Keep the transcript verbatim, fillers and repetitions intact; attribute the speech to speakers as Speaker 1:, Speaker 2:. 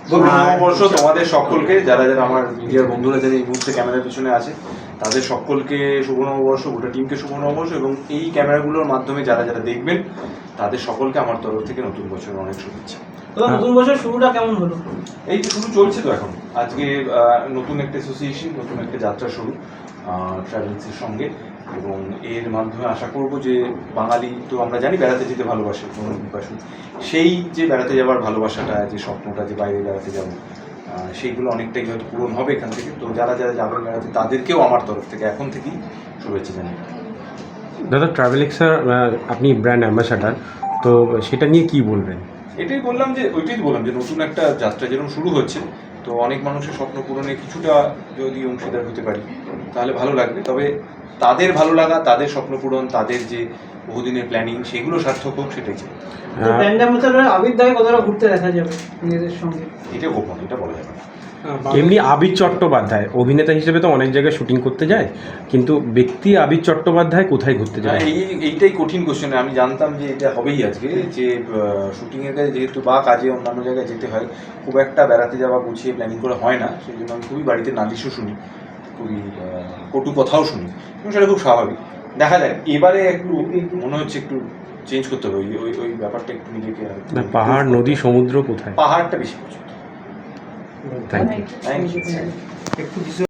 Speaker 1: নববর্ষ তোমাদের সকলকে, যারা যারা আমার মিডিয়ার বন্ধুরা যারা এই মুহূর্তে ক্যামেরার পিছনে আছে তাদের সকলকে শুভ নববর্ষ, গোটা টিমকে শুভ নববর্ষ, এবং এই ক্যামেরাগুলোর মাধ্যমে যারা যারা দেখবেন তাদের সকলকে আমার তরফ থেকে নতুন বছরের অনেক শুভেচ্ছা।
Speaker 2: নতুন বছর শুরুটা কেমন হলো?
Speaker 1: এই তো শুরু চলছে তো এখন, আজকে নতুন একটা অ্যাসোসিয়েশন, নতুন একটা যাত্রা শুরু ট্রাভেলসের সঙ্গে, এবং এর মাধ্যমে আশা করব যে বাঙালি তো আমরা জানি বেড়াতে যেতে ভালোবাসে, পিপাসু, সেই যে বেড়াতে যাওয়ার ভালোবাসাটা, যে স্বপ্নটা যে বাইরে বেড়াতে যাব, সেইগুলো অনেকটাই হয়তো পূরণ হবে এখান থেকে। তো যারা যারা যাবেন বেড়াতে তাদেরকেও আমার তরফ থেকে এখন থেকেই শুভেচ্ছা জানাই।
Speaker 3: দাদা, ট্রাভেলিক্সের আপনি ব্র্যান্ড অ্যাম্বাসাডার, তো সেটা নিয়ে কি বলবেন?
Speaker 1: এটাই বললাম যে ওইটাই বললাম যে নতুন একটা যাত্রা যেরকম শুরু হচ্ছে, তো অনেক মানুষের স্বপ্ন পূরণে কিছুটা যদি অংশীদার হতে পারি তাহলে ভালো লাগবে। তবে তাদের ভালো লাগা, তাদের স্বপ্ন পূরণ, তাদের যে বহুদিনের প্ল্যানিং, সেগুলো সার্থক হোক, সেটাই চাই।
Speaker 2: ব্র্যান্ড অ্যাম্বাসাডর আবির দাকে কতটা ঘুরতে দেখা যাবে নিজেদের সঙ্গে?
Speaker 1: এটা গোপন, এটা বলা যাবে না।
Speaker 3: এমনি আবির চট্টোপাধ্যায় অভিনেতা হিসেবে তো অনেক জায়গায় শুটিং করতে যায়, কিন্তু ব্যক্তি আবির চট্টোপাধ্যায় কোথায় ঘুরতে যায়?
Speaker 1: এই এইটাই কঠিন কোশ্চেন। আমি জানতাম যে এটা হবেই আজকে, যে শুটিংয়ের কাজে যেহেতু বা কাজে অন্যান্য জায়গায় যেতে হয়, খুব একটা বেড়াতে যাওয়া গুছিয়ে প্ল্যানিং করে হয় না, সেই জন্য আমি খুবই বাড়িতে নালিশও শুনি, খুবই কটু কথাও শুনি, এবং সেটা খুব স্বাভাবিক। দেখা যায় এবারে একটু মনে হচ্ছে একটু চেঞ্জ করতে হবে, ওই ওই ওই ব্যাপারটা একটু নিজেকে।
Speaker 3: পাহাড়, নদী, সমুদ্র কোথায়?
Speaker 1: পাহাড়টা বেশি পছন্দ।
Speaker 3: Thank you.
Speaker 1: Thank you.